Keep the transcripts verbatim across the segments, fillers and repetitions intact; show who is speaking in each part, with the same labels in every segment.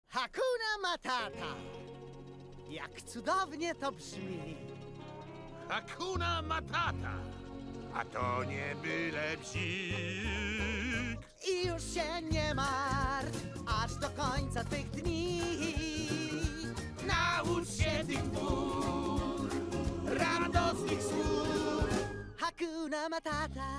Speaker 1: Hakuna Matata. Jak cudownie to brzmi.
Speaker 2: Hakuna Matata. A to nie byle bzik.
Speaker 1: I już się nie martw, aż do końca twych dni.
Speaker 2: Naucz się tych dwóch radosnych słów.
Speaker 1: Hakuna Matata.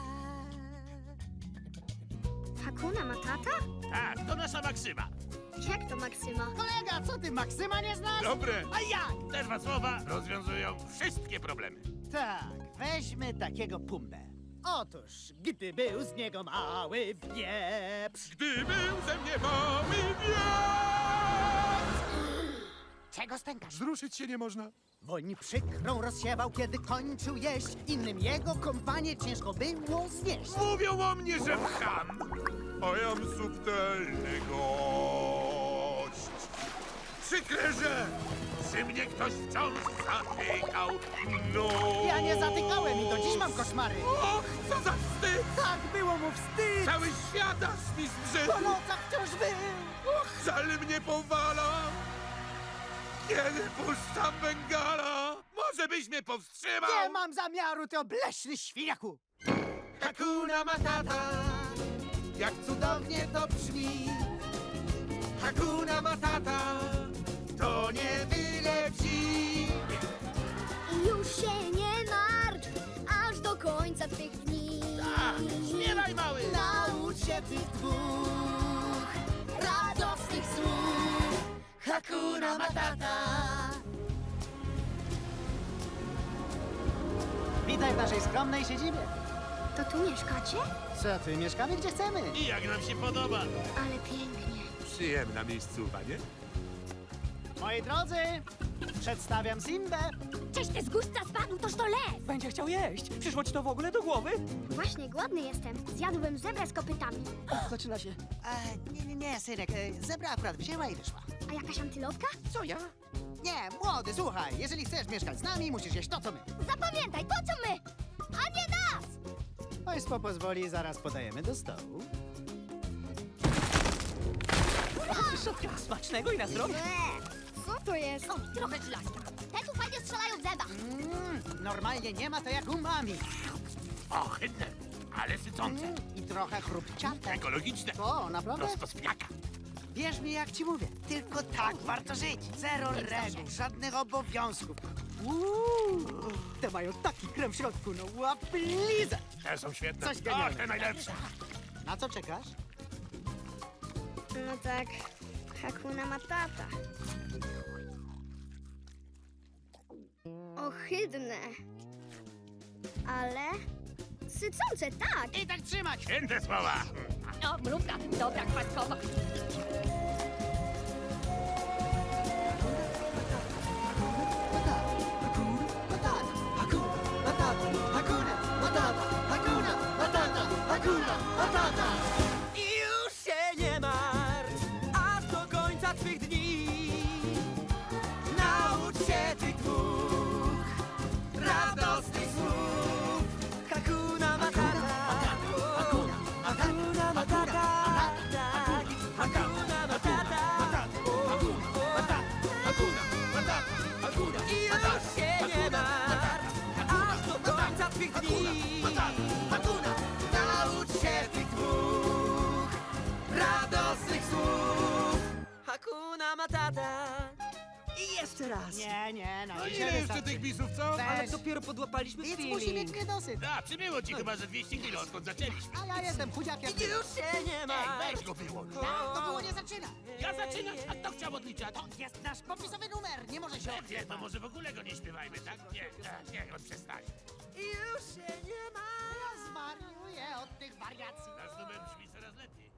Speaker 3: Hakuna Matata?
Speaker 2: Tak, to nasza maksyma.
Speaker 3: Jak to Maksyma?
Speaker 1: Kolega, co ty, Maksyma nie znasz?
Speaker 2: Dobre.
Speaker 1: A jak?
Speaker 2: Te dwa słowa rozwiązują wszystkie problemy.
Speaker 1: Tak, weźmy takiego Pumbę. Otóż, gdy był z niego mały wieprz.
Speaker 2: Gdy był ze mnie mały wiatr.
Speaker 1: Czego stękasz?
Speaker 2: Zruszyć się nie można.
Speaker 1: Woń przykrą rozsiewał, kiedy kończył jeść. Innym jego kompanię ciężko było znieść.
Speaker 2: Mówią o mnie, że cham, a jam subtelny gość. Przykre, że przy mnie ktoś wciąż zatykał. No.
Speaker 1: Ja nie zatykałem i do dziś mam koszmary.
Speaker 2: Och, co za wstyd!
Speaker 1: Tak było mu wstyd.
Speaker 2: Cały świat aż mi zbrzydł.
Speaker 1: Po nocach wciąż był.
Speaker 2: Och, żal mnie powala. Kiedy puszczam Bengala, może byś mnie powstrzymał?
Speaker 1: Nie mam zamiaru, ty obleśny świniaku.
Speaker 2: Hakuna Matata,
Speaker 1: Jak cudownie to brzmi.
Speaker 2: Hakuna Matata, to nie byle bzik.
Speaker 3: I już się nie martw, aż do końca twych dni.
Speaker 2: Tak, śpiewaj mały!
Speaker 1: Naucz się tych dwóch radosnych słów. Hakuna Matata. Witaj w naszej skromnej siedzibie.
Speaker 3: To tu mieszkacie?
Speaker 1: Co ty, mieszkamy gdzie chcemy.
Speaker 2: I jak nam się podoba?
Speaker 3: Ale pięknie.
Speaker 2: Przyjemna miejscowa, nie?
Speaker 1: Moi drodzy, przedstawiam Simbę.
Speaker 3: Cześć, ty zgódźca spadł, toż to lew!
Speaker 4: Będzie chciał jeść. Przyszło ci to w ogóle do głowy?
Speaker 3: Właśnie głodny jestem. Zjadłbym zebrę z kopytami.
Speaker 4: Zaczyna się.
Speaker 1: E, nie, nie, nie, synek, e, zebra akurat wzięła i wyszła.
Speaker 3: A jakaś antylopka?
Speaker 4: Co ja?
Speaker 1: Nie, młody, słuchaj, jeżeli chcesz mieszkać z nami, musisz jeść to, co my.
Speaker 3: Zapamiętaj, to co my, a nie nas!
Speaker 1: Państwo pozwoli, zaraz podajemy do stołu.
Speaker 4: Szotka. Smacznego i na zdrowie.
Speaker 3: Eee, co to jest? O, trochę żelazka. Te tu fajnie strzelają w zębach.
Speaker 1: Mm, normalnie nie ma to jak umami.
Speaker 2: Ohydne, ale sycące.
Speaker 1: Mm, I trochę chrupciate.
Speaker 2: Ekologiczne.
Speaker 1: O, naprawdę?
Speaker 2: Prosto z pniaka.
Speaker 1: Wierz mi, jak ci mówię, tylko tak warto żyć. Zero reguł, żadnych obowiązków. Uuu, te mają taki krem w środku, no łaplize.
Speaker 2: Te są świetne.
Speaker 1: Coś
Speaker 2: Ach,
Speaker 1: genialnego.
Speaker 2: te najlepsze.
Speaker 1: Na co czekasz?
Speaker 3: No tak, Hakuna Matata. Ohydne. Ale sycące, tak.
Speaker 1: I tak trzymać.
Speaker 2: Święte słowa.
Speaker 5: O, mrówka, dobra, kwaskowa.
Speaker 4: I już się nie martw, aż do końca twych dni. Naucz się tych dwóch radosnych słów. Hakuna Matata. Hakuna Matata. Tak. Hakuna Matata. I już się nie martw, aż do końca twych dni. Naucz się tych dwóch radosnych słów. Hakuna Matata. I jeszcze raz.
Speaker 1: Nie, nie, na
Speaker 2: No
Speaker 1: dzisiaj
Speaker 2: ile jeszcze
Speaker 1: wystarczy.
Speaker 2: tych bisów, co?
Speaker 4: Ale
Speaker 1: Weź.
Speaker 4: dopiero podłapaliśmy
Speaker 1: Nic musi mieć
Speaker 4: feeling.
Speaker 1: niedosyt.
Speaker 2: A, przybyło ci chyba ze dwieście kilo, odkąd zaczęliśmy.
Speaker 1: A ja jestem chudziak jak
Speaker 4: I już się nie
Speaker 2: Ej,
Speaker 4: martw.
Speaker 2: weź go wyłącz.
Speaker 1: To było nie zaczyna.
Speaker 2: Ja zaczynam, a kto chciał odliczać?
Speaker 1: To jest nasz popisowy numer, nie może się
Speaker 2: Nie, to może w ogóle go nie śpiewajmy, tak? Nie, nie, niech on przestanie.
Speaker 4: I już się nie martw.
Speaker 1: Zwariuję od tych wariacji.
Speaker 2: Nasz numer brzmi coraz lepiej.